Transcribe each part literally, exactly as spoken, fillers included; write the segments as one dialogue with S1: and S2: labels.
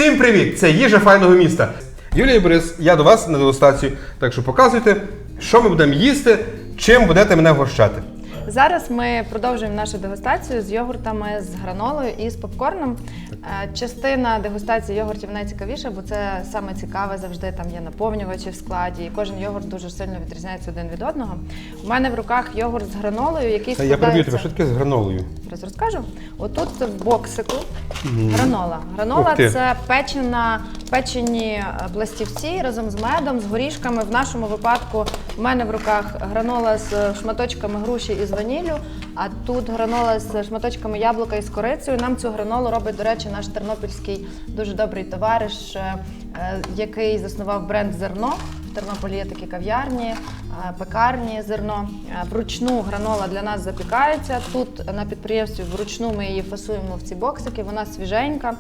S1: Всім привіт! Це їжа файного міста. Юлія і Борис, я до вас на дегустацію, так що показуйте, що ми будемо їсти, чим будете мене вгощати.
S2: Зараз ми продовжуємо нашу дегустацію з йогуртами, з гранолою і з попкорном. Частина дегустації йогуртів найцікавіша, бо це саме цікаве завжди, там є наповнювачі в складі, і кожен йогурт дуже сильно відрізняється один від одного. У мене в руках йогурт з гранолою, який складається...
S1: Я переб'ю тебе, що таке з гранолою?
S2: Зараз розкажу. Отут в боксику гранола. Гранола – це печена, печені пластівці разом з медом, з горішками. В нашому випадку в мене в руках гранола з шматочками груші і з ваніллю, а тут гранола з шматочками яблука і з корицею. Нам цю гранолу робить, до речі, наш тернопільський дуже добрий товариш, який заснував бренд «Зерно». В Тернополі є такі кав'ярні, пекарні «Зерно». Вручну гранола для нас запікається. Тут на підприємстві вручну ми її фасуємо в ці боксики, вона свіженька.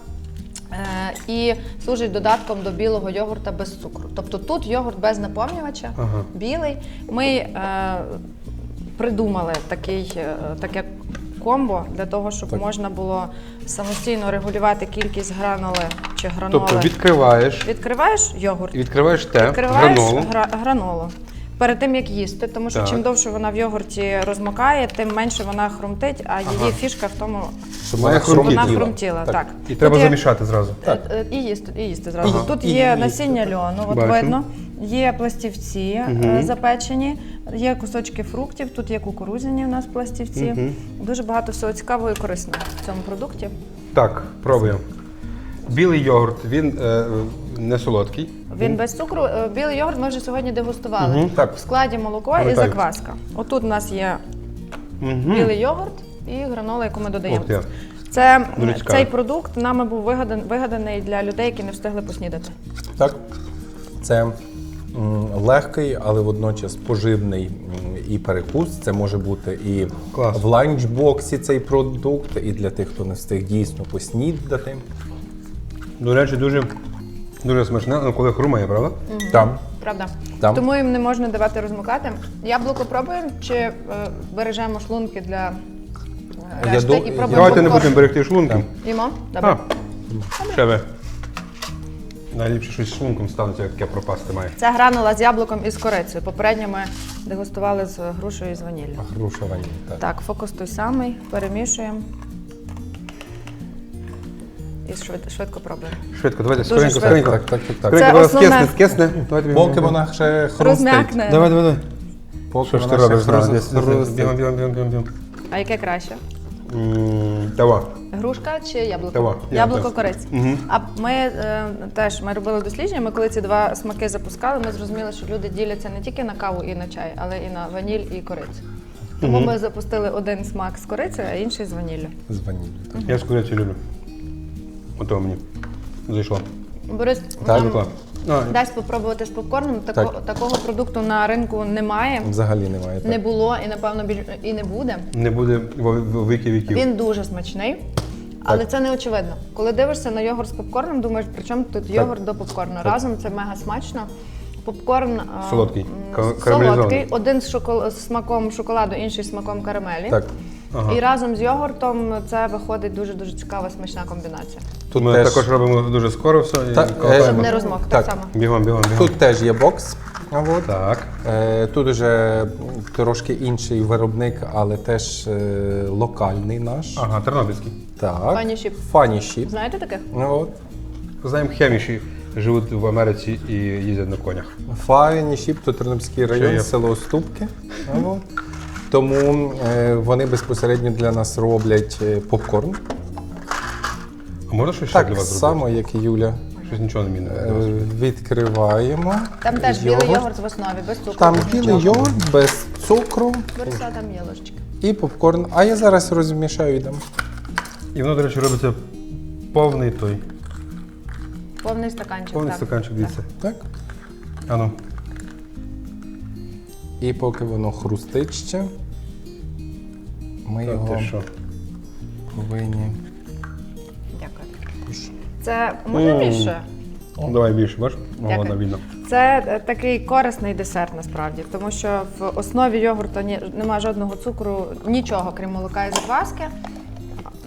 S2: І служить додатком до білого йогурта без цукру. Тобто тут йогурт без наповнювача, ага. білий. Ми е, придумали такий, е, таке комбо для того, щоб так. можна було самостійно регулювати кількість граноли чи граноли.
S1: Тобто відкриваєш,
S2: відкриваєш йогурт,
S1: відкриваєш те,
S2: відкриваєш
S1: гранолу.
S2: Гра, гранолу. Перед тим, як їсти, тому що так. чим довше вона в йогурті розмокає, тим менше вона хрумтить, а її ага. фішка в тому,
S1: щоб
S2: вона
S1: хрумтіла.
S2: хрумтіла. Так. Так.
S1: І треба
S2: є,
S1: замішати зразу.
S2: Так. І їсти, і їсти зразу. Ага. Тут
S1: і
S2: є
S1: їсти.
S2: насіння льону, от видно, є пластівці угу. запечені, є кусочки фруктів, тут є кукурудзяні у нас пластівці. Угу. Дуже багато всього цікавого і корисного в цьому продукті.
S1: Так, пробуємо. Білий йогурт, він е, не солодкий.
S2: Він без цукру. Білий йогурт ми вже сьогодні дегустували.
S1: Угу, так.
S2: В складі молоко
S1: Пам'ятаю.
S2: і закваска. Отут у нас є угу. білий йогурт і гранола, яку ми додаємо.
S1: Ох,
S2: Це, цей продукт нами був вигадан, вигаданий для людей, які не встигли поснідати.
S3: Так, це м, легкий, але водночас поживний м, і перекус. Це може бути і Клас. в ланчбоксі цей продукт, і для тих, хто не встиг дійсно поснідати.
S1: До речі, дуже, дуже смачне, коли хрумає, правда?
S2: Угу.
S3: Там.
S2: Правда.
S3: Там.
S2: Тому їм не можна давати розмокати. Яблуко пробуємо чи е, бережемо шлунки для е, решти
S3: до-
S2: і пробуємо
S1: Давайте не
S2: попкорн?
S1: будемо берегти шлунки.
S2: Їмо? Добре.
S1: А, ще ви. Найліпше щось з шлунком станеться, яке пропасти має.
S2: Це гранула з яблуком і з корицею. Попередньо ми дегустували з грушею і з ваніллю.
S3: Груша ваніль, так.
S2: Так, фокус той самий. Перемішуємо. І швидко, швидко пробуємо.
S1: Швидко, давайте,
S2: Дуже
S1: скоренько,
S2: швидко.
S1: скоренько.
S3: Так, так, так, так.
S2: Це
S1: Скоренько,
S2: основне.
S1: скисне, скисне. Давайте,
S3: Поки вона ще хрустить.
S2: Розм'якне.
S1: Давай, давай, давай.
S3: Поки
S1: Що ж ти
S3: вона ще
S1: робиш? Зараз, десь,
S3: хрустить.
S1: бігом, бігом, бігом, бігом, бігом.
S2: А яке краще?
S1: М, Давай.
S2: Грушка чи яблуко?
S1: Давай,
S2: Яблуко,
S1: яблуко.
S2: кориць.
S1: Угу.
S2: А ми е, теж ми робили дослідження, ми коли ці два смаки запускали, ми зрозуміли, що люди діляться не тільки на каву і на чай, але і на ваніль і корицю. Тому
S1: Угу.
S2: ми запустили один смак з корицею, а інший з ваніллю.
S3: З ваніллю. так.
S1: Я з курячою люблю. Ото мені зайшло.
S2: Борис,
S3: Так,
S2: нам
S1: Клас. А,
S2: дасть спробувати з попкорном. Тако,
S3: Так.
S2: Такого продукту на ринку немає,
S3: Взагалі немає. Так.
S2: не було і, напевно, біль- і не буде.
S1: Не буде во віки віків.
S2: Він дуже смачний, але це не очевидно. Коли дивишся на йогурт з попкорном, думаєш, при чому тут йогурт до попкорну. Разом це мега смачно. Попкорн а,
S1: Солодкий,
S2: м,
S1: ка- карамелізований.
S2: солодкий, один з, шокол... з смаком шоколаду, інший з смаком карамелі.
S3: Так.
S1: Ага.
S2: І разом з йогуртом це виходить дуже-дуже цікава смачна комбінація.
S3: Тут
S1: Ми
S3: теж,
S1: також робимо дуже скоро все. і
S3: Так,
S1: колотаємо.
S3: е,
S2: Щоб не розмок, так,
S3: Так.
S2: само.
S1: Бігом, бігом, бігом.
S3: тут теж є бокс. А от.
S1: Так.
S3: Е, Тут вже трошки інший виробник, але теж е, локальний наш.
S1: Ага, тернопільський.
S3: Так.
S2: Funny Ship.
S3: Funny Ship.
S2: Знаєте таких?
S3: Ну, от.
S1: Знаємо, хеміші живуть в Америці і їздять на конях.
S3: Funny Ship, тут Тернопільський район,
S1: є?
S3: село Ступки. А от. Тому е, вони безпосередньо для нас роблять е, попкорн.
S1: А можна щось ще для
S3: Так
S1: вас
S3: само,
S1: зробити?
S3: як і Юля.
S1: Щось нічого не мінне.
S3: Е, Відкриваємо.
S2: Там теж білий йогурт в основі, без цукру.
S3: Там
S2: без
S3: білий
S2: нічого.
S3: йогурт без цукру
S2: Бориса, там є ложечки.
S3: і попкорн. А я зараз розмішаю і дам.
S1: І воно, до речі, робиться повний той.
S2: Повний стаканчик.
S1: Повний
S2: так.
S1: стаканчик, дивіться.
S3: Так?
S1: Ану.
S3: І поки воно хрустить ще, ми
S1: Та
S3: його
S1: ти що?
S3: повинні.
S2: Дякую. Це може більше?
S1: Давай більше, бачиш?
S2: Дякую.
S1: Вона видно.
S2: Це е, такий корисний десерт насправді, тому що в основі йогурту ні, немає жодного цукру, нічого, крім молока і закваски.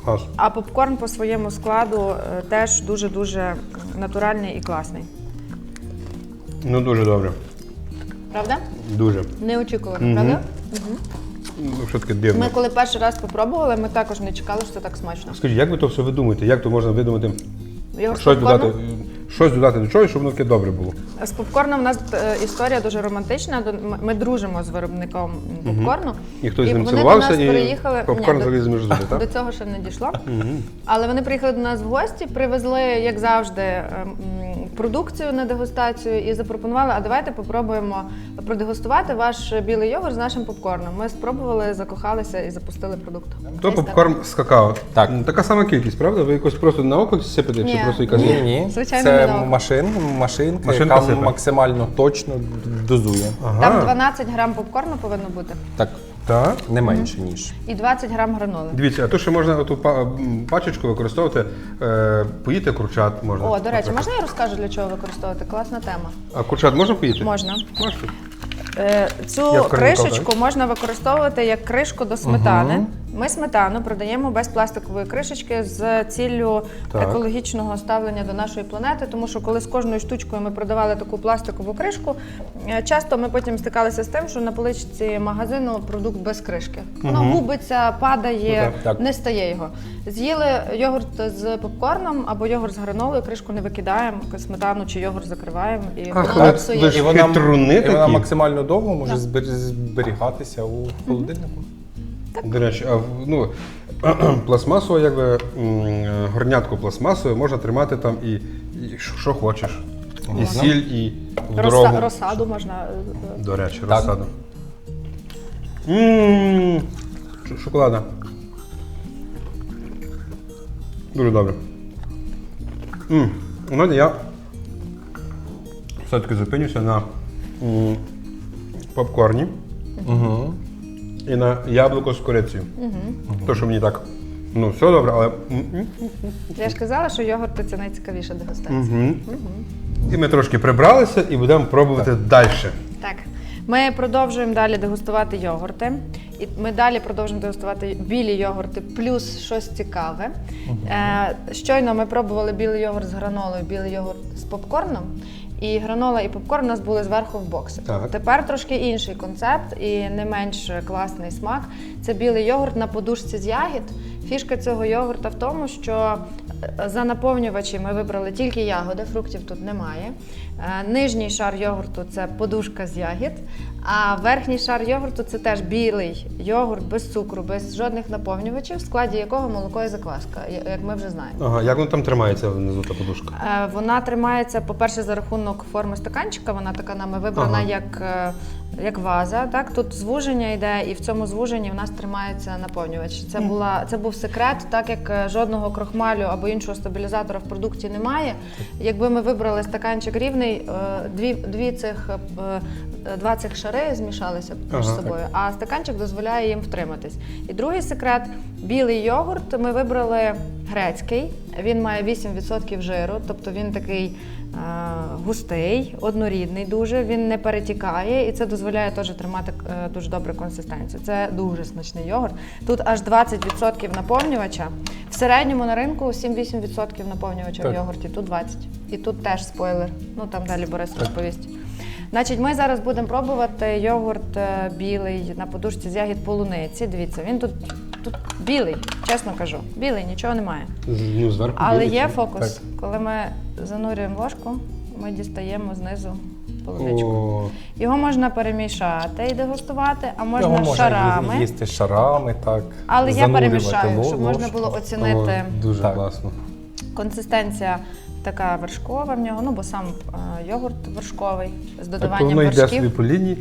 S1: Клас.
S2: А попкорн по своєму складу е, теж дуже-дуже натуральний і класний.
S1: Ну дуже добре.
S2: Правда?
S1: Дуже.
S2: Неочікувано, правда?
S1: Ну, що таке дивно.
S2: Ми коли перший раз попробували, ми також не чекали, що це так смачно.
S1: Скажіть, як ви то все видумуєте? Як то можна видумати
S2: Його з
S1: щось
S2: попкорном?
S1: додати, щось додати до чогось, щоб воно таке добре було?
S2: З попкорном у нас е, історія дуже романтична. До- ми- Ми дружимо з виробником попкорну.
S1: І хтось з ним
S2: вони
S1: цілувався,
S2: до нас
S1: і
S2: переїхали.
S1: попкорн
S2: Ні,
S1: заліз між зуби,
S2: до,
S1: так?
S2: до цього ще не дійшло. Але вони приїхали до нас в гості, привезли, як завжди, ем, м, продукцію на дегустацію і запропонували, а давайте попробуємо продегустувати ваш білий йогурт з нашим попкорном. Ми спробували, закохалися і запустили продукт.
S1: То
S2: Ось так.
S1: попкорн з какао.
S3: Так.
S1: М, Така сама кількість, правда? Ви якось просто на око сипите, чи
S2: Ні.
S1: просто якась.
S3: Ні, ні.
S2: Звичайно,
S3: Це
S2: не на око.
S3: машин, машинка,
S1: Машинка
S3: яка
S1: сипе.
S3: максимально точно дозує.
S1: Ага.
S2: Там дванадцять грам попкорну повинно бути
S3: Так,
S1: Так.
S3: не менше, ніж.
S2: і двадцять грам граноли.
S1: Дивіться, а то ще можна ту пачечку використовувати, е, поїти курчат можна.
S2: О, до речі,
S1: наприклад.
S2: можна я розкажу, для чого використовувати? Класна тема.
S1: А курчат можна поїти?
S2: Можна.
S1: Можна.
S2: Е, Цю
S1: Я в Корніков,
S2: кришечку можна використовувати як кришку до сметани. Ми сметану продаємо без пластикової кришечки з ціллю
S1: Так.
S2: екологічного ставлення до нашої планети, тому що коли з кожною штучкою ми продавали таку пластикову кришку, е, часто ми потім стикалися з тим, що на поличці магазину продукт без кришки. Воно губиться, падає,
S1: Ну,
S3: так, так.
S2: не стає його. З'їли йогурт з попкорном або йогурт з гранолою, кришку не викидаємо, сметану чи йогурт закриваємо і
S1: Ах,
S2: воно
S1: ви-
S2: псує.
S1: ви ж
S3: І вона,
S1: хитруни
S3: і вона
S1: такі.
S3: максимально довго може
S2: Так.
S3: збер- зберігатися у холодильнику.
S1: До речі, а в- ну, пластмасово, якби м, горнятку пластмасове можна тримати там і, і що що хочеш. І
S3: Можна.
S1: сіль, і в
S2: Роса-
S1: дорогу.
S2: розсаду можна. е,
S1: До речі,
S3: Так.
S1: розсаду. Ммм, шоколада. Дуже добре. Ммм, знаєте, я все-таки зупинюся на м, попкорні
S3: Угу.
S1: і на яблуко з корицею. То, що мені так, ну, все добре, але. м, м.
S2: Я ж казала, що йогурт це найцікавіша дегустація.
S1: Мгм. І ми трошки прибралися і будемо пробувати далі.
S2: Так, ми продовжуємо далі дегустувати йогурти. І ми далі продовжуємо дегустувати білі йогурти, плюс щось цікаве. Е, щойно ми пробували білий йогурт з гранолою, білий йогурт з попкорном. І гранола і попкорн у нас були зверху в боксі.
S1: Так.
S2: Тепер трошки інший концепт і не менш класний смак. Це білий йогурт на подушці з ягід. Фішка цього йогурта в тому, що е, за наповнювачі ми вибрали тільки ягоди, фруктів тут немає. Е, Нижній шар йогурту – це подушка з ягід, а верхній шар йогурту – це теж білий йогурт без цукру, без жодних наповнювачів, в складі якого молоко і закваска, я- як ми вже знаємо.
S1: Ага, як воно там тримається внизу та подушка?
S2: Е, Вона тримається, по-перше, за рахунок форми стаканчика. Вона така нами вибрана
S1: Ага.
S2: як, е, як ваза. Так? Тут звуження йде, і в цьому звуженні в нас тримається наповнювач. Це, була, це був секрет, так як е, жодного крохмалю або іншого стабілізатора в продукті немає. Якби ми вибрали стаканчик рівний, е, дві, дві цих, е, е, два цих шари змішалися між
S1: Ага.
S2: собою, а стаканчик дозволяє їм втриматись. І другий секрет – білий йогурт ми вибрали грецький. Він має вісім відсотків жиру, тобто він такий е, густий, однорідний дуже, він не перетікає і це дозволяє теж тримати е, дуже добру консистенцію. Це дуже смачний йогурт. Тут аж двадцять відсотків наповнювача. В середньому на ринку сім-вісім відсотків наповнювача в
S3: Так.
S2: йогурті, тут двадцять. І тут теж спойлер. Ну там далі Борис розповість. Значить, ми зараз будемо пробувати йогурт е, білий на подушці з ягід полуниці. Дивіться, він тут, тут білий, чесно кажу. Білий, нічого немає.
S1: З- Ну, зверху
S2: Але
S1: білий,
S2: є
S1: чи?
S2: фокус. Коли ми занурюємо ложку, ми дістаємо знизу полуничку.
S1: О,
S2: Його можна перемішати і дегустувати, а можна
S3: Його можна
S2: шарами.
S3: їсти шарами, так.
S2: Але я
S3: занурювати
S2: перемішаю,
S3: ло-
S2: щоб можна
S3: ложку.
S2: було
S1: о,
S2: оцінити
S1: дуже
S3: Так.
S1: класно.
S2: консистенція така вершкова в нього, ну бо сам е, йогурт вершковий з
S1: Так, то
S2: додаванням
S1: воно йде собі
S2: вершків.
S1: по лінії,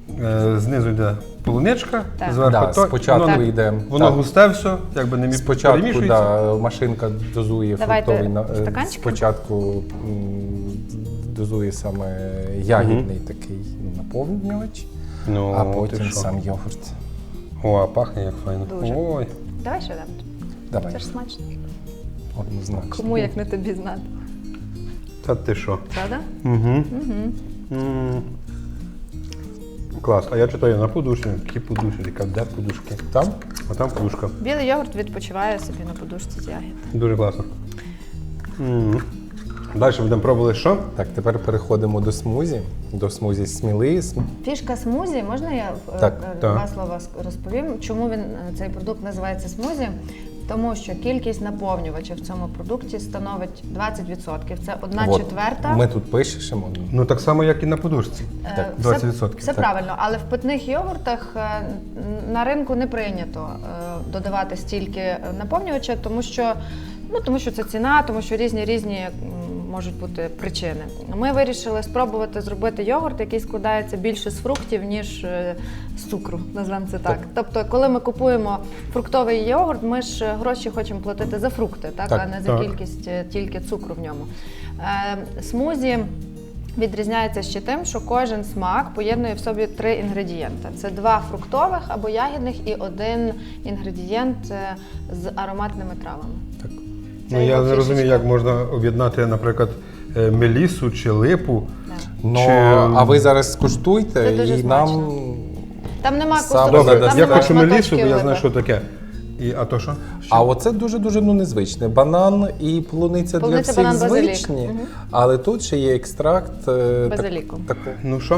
S1: е, знизу йде полуничка,
S2: Так.
S1: зверху
S3: Да,
S1: то,
S3: спочатку
S1: воно,
S3: йде.
S1: воно
S3: так.
S1: густе все, якби не мі-
S3: Спочатку
S1: перемішується.
S3: да, машинка дозує
S2: Давайте
S3: фруктовий на- е,
S2: стаканчики.
S3: спочатку м, дозує саме ягідний такий наповнювач,
S1: Ну,
S3: а
S1: ти
S3: потім
S1: що?
S3: сам йогурт.
S1: О, а пахне як файно.
S2: Дуже.
S1: Ой.
S2: Давай ще дам.
S3: Давай,
S2: Це ж смачно.
S3: однозначно.
S2: Кому як не тобі знати.
S1: Та ти що?
S2: Правда?
S1: Угу.
S2: Угу.
S1: Клас. А я читаю на подушці. Які подушки, яка де подушки?
S3: Там?
S1: А там подушка.
S2: Білий йогурт відпочиває собі на подушці з ягід.
S1: Дуже класно. М. Далі будемо пробувати що?
S3: Так, тепер переходимо до смузі. До смузі сміли.
S2: Фішка смузі, можна я е,
S3: Так,
S2: е,
S1: так.
S2: два слова ск- розповім? Чому він, е, цей продукт називається смузі? Тому що кількість наповнювачів в цьому продукті становить двадцять відсотків. Це одна
S3: От,
S2: четверта.
S3: Ми тут пишемо.
S1: Ну так само, як і на подушці.
S2: Е,
S3: Так,
S2: все-
S1: двадцять відсотків.
S2: Все
S1: Так.
S2: правильно, але в питних йогуртах е, на ринку не прийнято е, додавати стільки е, наповнювача, тому що, ну, тому що це ціна, тому що різні різні м, можуть бути причини. Ми вирішили спробувати зробити йогурт, який складається більше з фруктів, ніж е, з цукру, назвемо це так.
S3: Так.
S2: Тобто, коли ми купуємо фруктовий йогурт, ми ж гроші хочемо платити за фрукти, так,
S3: Так,
S2: а не за
S1: так.
S2: кількість е, тільки цукру в ньому. Е, смузі відрізняється ще тим, що кожен смак поєднує в собі три інгредієнти. Це два фруктових або ягідних і один інгредієнт е, з ароматними травами.
S3: Так.
S2: Це
S1: Ну я
S2: його
S1: не розумію,
S2: фішечка.
S1: як можна об'єднати, наприклад, е, мелісу чи липу.
S2: Да.
S3: Ну,
S1: Чи-
S3: а ви зараз скуштуйте
S2: Це дуже
S3: і
S2: смачно.
S3: нам.
S2: Там нема
S3: Саме
S2: кусочків,
S1: Добре,
S3: Добре,
S2: там
S1: я
S2: нема
S1: хочу мелісу, бо
S2: шматочків
S1: я знаю,
S2: липи.
S1: що таке. І, а то що?
S3: А оце дуже-дуже ну, незвичне. Банан і полуниця, для
S2: Полуниця,
S3: всіх
S2: банан, базилік.
S3: звичні,
S2: Мгм.
S3: але тут ще є екстракт е, так-
S2: Базиліку.
S3: такого.
S1: Ну що?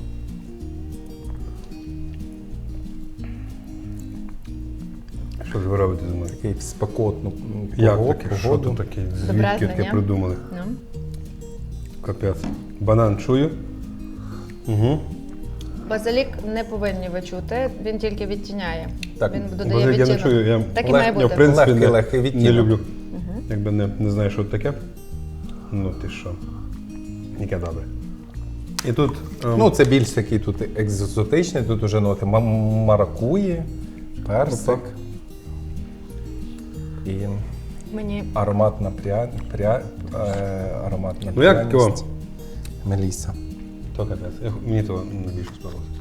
S1: Що ж ви робите зі мною?
S3: Такий в спекотну м,
S1: Як
S3: пого-
S1: таке? Що
S3: погоду.
S1: тут таке?
S2: Добре,
S1: Звідки таке
S2: ні?
S1: придумали?
S2: Ну.
S1: Капець. Банан чую. Угу.
S2: Базилік не повинні ви чути, він тільки відтіняє.
S3: Так,
S2: Він додає
S1: Базилік я не
S2: відтінок.
S1: чую. Я,
S2: Так і
S3: Лег-
S2: має
S1: я
S2: бути.
S1: в принципі
S3: Легкий,
S1: не,
S3: легкий
S1: не
S3: відтінок.
S1: люблю. Якби не, не знаю, що таке. Ну ти що? Яке добре. І тут ем,
S3: Ну, це більш такий тут екзотичний, тут уже ноти ма- маракуї, персик
S1: Опа.
S3: і
S2: Мені
S3: ароматна пря... Пря... Е... ароматна
S1: Ну, як
S3: пряність.
S1: його?
S3: Меліса.
S1: то капець. Я- Мені то найбільше сподобалося.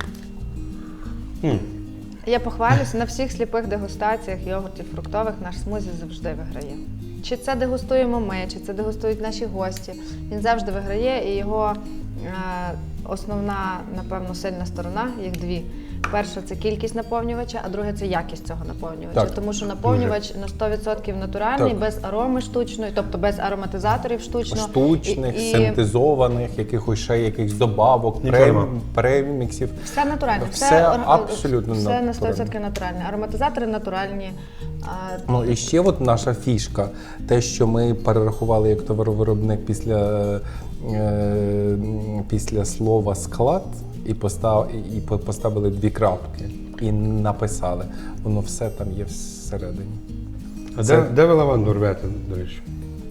S1: М.
S2: Я похвалюся, на всіх сліпих дегустаціях йогуртів фруктових наш смузі завжди виграє. Чи це дегустуємо ми, чи це дегустують наші гості. Він завжди виграє, і його е, основна, напевно, сильна сторона, їх дві. Перша – це кількість наповнювача, а друге – це якість цього наповнювача.
S3: Так.
S2: Тому що наповнювач на сто відсотків натуральний,
S3: Так.
S2: без ароми штучної, тобто без ароматизаторів штучно.
S3: Штучних,
S2: І- і
S3: синтезованих, якихось ще якихось добавок,
S1: Нічого
S3: прем...
S1: нема.
S3: преміксів.
S2: Все натуральне.
S3: Все
S2: ор-
S3: абсолютно
S2: все на
S3: натуральне.
S2: сто відсотків натуральне. Ароматизатори натуральні. а,
S3: Ну і ще от наша фішка, те, що ми перерахували як товаровиробник після, е, після слова склад і, постав, і по- поставили дві крапки і написали. Воно все там є всередині.
S1: А
S3: Це-
S1: де, де ви лаванду рвете, до речі?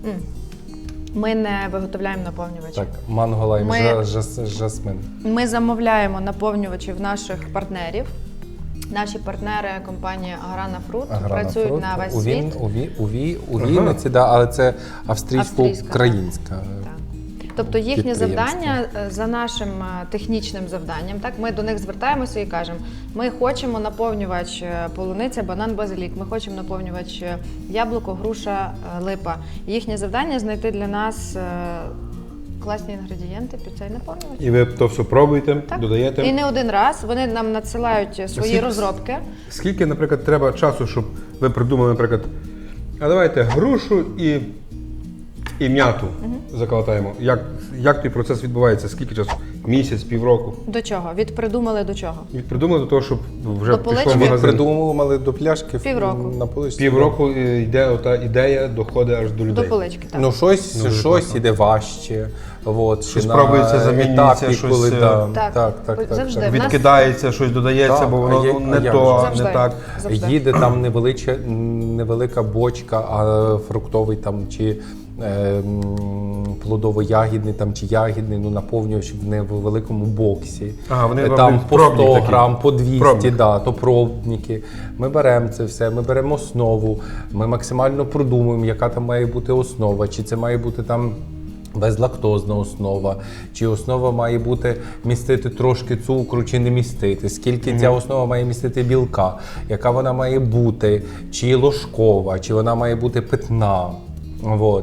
S2: Ми не виготовляємо наповнювачі.
S3: Так, манго лайм,
S2: Ми-
S3: жа- жас- жасмин.
S2: Ми замовляємо наповнювачі в наших партнерів. Наші партнери, компанія Аграна Фрут,
S3: Аграна
S2: працюють
S3: фрукт.
S2: на весь
S3: у Він-
S2: світ.
S3: У, Ві- у, Ві- у
S1: Ага.
S3: Вінниці, да, але це
S2: Австрійська,
S3: австрійсько-українська.
S2: Так. Тобто їхнє
S3: Підприємство.
S2: завдання е, за нашим е, технічним завданням. Так, ми до них звертаємося і кажемо: ми хочемо наповнювач е, полуниця, банан, базилік. Ми хочемо наповнювач е, яблуко, груша, е, липа. Їхнє завдання знайти для нас е, класні інгредієнти під цей наповнювач.
S1: І ви то все пробуєте,
S2: Так.
S1: додаєте.
S2: І не один раз вони нам надсилають свої
S1: Скільки-
S2: розробки.
S1: Скільки, наприклад, треба часу, щоб ви придумали, наприклад, а давайте грушу і, і м'яту заколотаємо. Як, як той процес відбувається? Скільки часу? Місяць, півроку?
S2: До чого? Від придумали до чого?
S1: Від придумали до того, щоб вже
S2: До
S1: пішло
S2: полички?
S1: в
S3: Від
S1: магазин.
S3: придумували до пляшки в-
S2: Півроку.
S3: на поличці.
S1: Півроку е, йде ота ідея, доходить аж до людей.
S2: До полички, так.
S3: Ну, щось,
S1: Ну, дуже
S3: щось
S1: класно.
S3: іде важче. От,
S1: Щось
S3: чи
S1: пробується,
S3: на
S1: замінюється,
S3: етапі,
S1: щось,
S3: коли,
S1: е,
S3: да,
S2: Так,
S3: так, так, так,
S2: завжди.
S3: так.
S2: В нас-
S1: Відкидається, щось додається,
S3: Так,
S1: бо
S3: а
S1: воно
S3: є-
S1: ну,
S3: а
S1: не
S3: як
S1: то,
S3: же?
S2: Завжди.
S1: не так.
S2: Завжди.
S3: Їде там невелича, невелика бочка, а фруктовий там чи е, м, плодово-ягідний там, чи ягідний, ну, наповнювач в невеликому боксі.
S1: Ага, вони
S3: Е,
S1: роблять
S3: там по
S1: пробні
S3: сто
S1: такі.
S3: грам, по двісті,
S1: Пробник.
S3: да, то пробники. Ми беремо це все, ми беремо основу, ми максимально продумуємо, яка там має бути основа, чи це має бути там безлактозна основа, чи основа має бути містити трошки цукру, чи не містити, скільки mm-hmm. ця основа має містити білка, яка вона має бути, чи ложкова, чи вона має бути питна. От.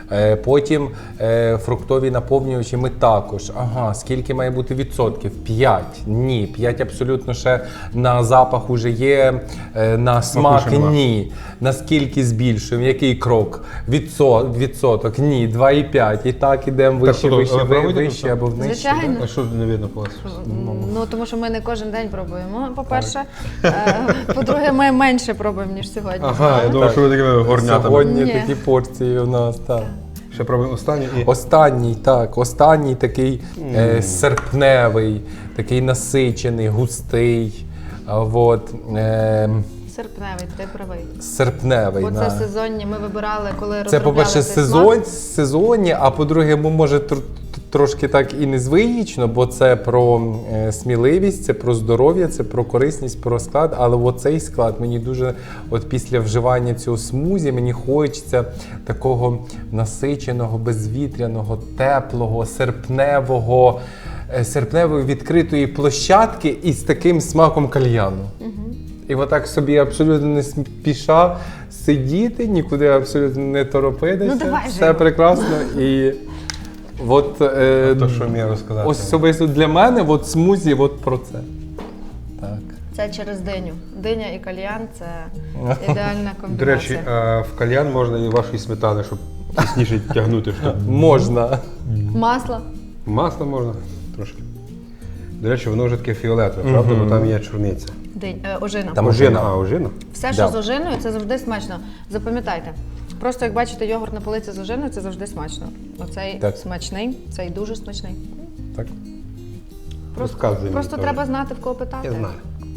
S3: Е, Потім е, фруктові наповнювачі ми також. Ага, скільки має бути відсотків? п'ять. Ні, п'ять абсолютно ще на запах уже є, е, на смак
S1: ще нема.
S3: ні. Наскільки збільшуємо? Який крок? Відсот, відсоток? Ні, два і п'ять. І так ідемо вище,
S1: що,
S3: вище,
S1: ви
S3: ви-
S1: пробуєте
S3: вище
S1: тут?
S3: або внище.
S2: Звичайно.
S1: А що не видно по вас?
S2: Ну, тому що ми не кожен день пробуємо, по-перше. Е, По-друге, ми менше пробуємо, ніж сьогодні.
S1: Ага, я думав, що ви такими горнятами.
S3: Сьогодні
S2: Ні.
S3: такі порції у нас, так.
S1: Ще пробуємо останній і...
S3: Останній, так, останній такий е, серпневий, такий насичений, густий. А, от, е,
S2: Серпневий, ти правий.
S3: серпневий.
S2: Бо це
S3: да.
S2: сезонні, ми вибирали, коли
S3: Це,
S2: розробляли
S3: по-перше,
S2: цей
S3: сезон,
S2: смак.
S3: сезонні, а по-друге, м- може тр- трошки так і незвично, бо це про е, сміливість, це про здоров'я, це про корисність, про склад. Але оцей склад мені дуже, от після вживання цього смузі, мені хочеться такого насиченого, безвітряного, теплого, серпневого, е, серпневої відкритої площадки із таким смаком кальяну. І отак собі абсолютно не спіша сидіти, нікуди абсолютно не торопитися.
S2: Ну, давай же
S3: Все
S2: його.
S3: прекрасно. І от, е,
S1: То, що мені розказати.
S3: особисто для мене от смузі от про це. Так.
S2: Це через диню. Диня і кальян – це ідеальна
S1: До
S2: комбінація.
S1: речі, а в кальян можна і вашої сметани, щоб тісніше тягнути. Щоб...
S3: Можна.
S2: Масло.
S1: Масло можна трошки. До речі, воно вже таке фіолетове, правда? Бо там є чорниця.
S2: Динь, е, ожина.
S3: Там
S1: Ожина, а, ожина?
S2: Все, що
S3: Да.
S2: з ожиною, це завжди смачно. Запам'ятайте. Просто як бачите йогурт на полиці з ожиною, це завжди смачно. Оцей
S3: Так.
S2: смачний, цей дуже смачний.
S3: Так.
S2: Просто,
S1: Розказуй мені
S2: просто
S1: теж.
S2: треба знати, в кого питати.
S1: Я знаю.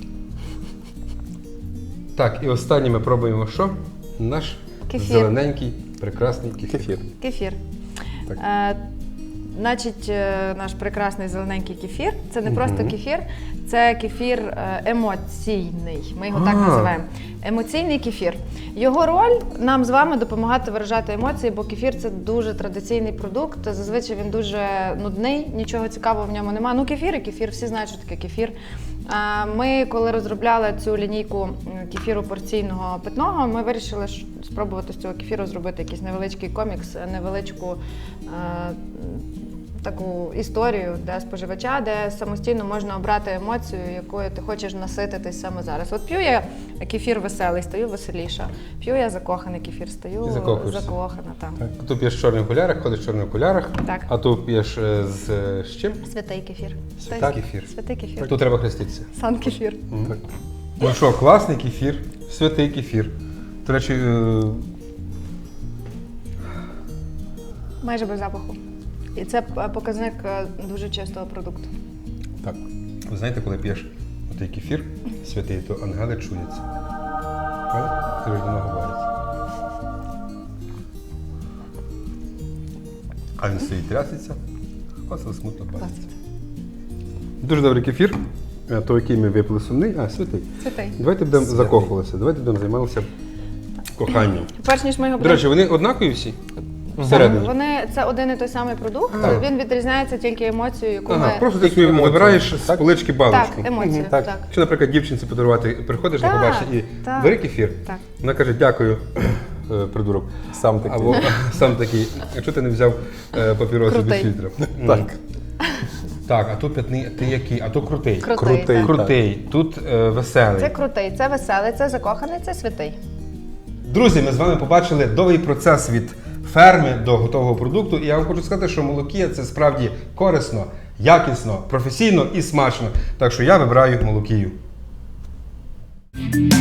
S1: Так, і останнє ми пробуємо що? Наш
S2: Кефір.
S1: зелененький, прекрасний кефір.
S3: Кефір.
S2: Кефір.
S3: Так.
S2: Е, значить, е, наш прекрасний зелененький кефір. Це не просто кефір, це кефір е, емоційний. Ми його так
S1: А.
S2: називаємо. Емоційний кефір. Його роль нам з вами допомагати виражати емоції, бо кефір це дуже традиційний продукт. Зазвичай він дуже нудний, нічого цікавого в ньому немає. Ну, кефір і кефір, всі знають, що таке кефір. А Ми, коли розробляли цю лінійку м, кефіру порційного питного, ми вирішили ш- спробувати з цього кефіру зробити якийсь невеличкий комікс, невеличку е, таку історію для споживача, де самостійно можна обрати емоцію, якою ти хочеш насититись саме зараз. От п'ю я кефір веселий, стаю веселіша. П'ю я закоханий кефір, стаю
S1: Ти закохуєшся.
S2: закохана. Так.
S1: А тут п'єш в чорних окулярах, ходиш в чорних окулярах,
S2: Так.
S1: а тут п'єш е, з, е, з чим?
S2: Святий кефір.
S1: Святий
S2: Той-
S1: кефір.
S2: Святий кефір.
S1: Тут треба хреститися.
S2: Сан кефір.
S3: Так.
S1: Ну що, класний кефір, святий кефір. До речі, е,
S2: Майже без запаху. І це е, показник е, дуже чистого продукту.
S3: Так.
S1: ви знаєте, коли п'єш отий кефір святий, то ангели чуються. Правда? Ти ж до нього говориться. А він стоїть трясеться, оце смутно бачиться. Дуже добрий кефір. Е, Той, який ми випили сумний, а святий.
S2: Святий.
S1: Давайте будемо
S3: Святий.
S1: закохувалися, давайте будемо займалися коханням.
S2: Перш ніж ми його
S1: До речі, вони однакові всі? Всередині.
S2: Вони це один і той самий продукт.
S1: Так.
S2: Він відрізняється тільки емоцією, яку
S1: Ага,
S2: ми
S1: просто ти собі
S3: Емоції.
S1: вибираєш з
S3: Так.
S1: полички
S2: так,
S1: баночку.
S2: емоцію.
S3: Так.
S2: Так.
S1: Якщо, наприклад, дівчинці подарувати, приходиш на
S2: Так,
S1: побачення і
S2: так.
S1: бери кефір,
S2: Так.
S1: вона каже, дякую, е, придурок.
S3: Сам такий.
S1: Або сам такий, якщо ти не взяв е, папіроси без
S2: Крутий.
S1: фільтра.
S3: Так.
S1: Так, а то п'ятний, ти який? А то крутий.
S2: Крутий.
S3: Крутий.
S2: так.
S1: Крутий, тут е, веселий.
S2: Це крутий, це веселий, це закоханий, це святий.
S1: Друзі, ми з вами побачили довгий процес від ферми до готового продукту. І я вам хочу сказати, що молокія це справді корисно, якісно, професійно і смачно. Так що я вибираю молокію.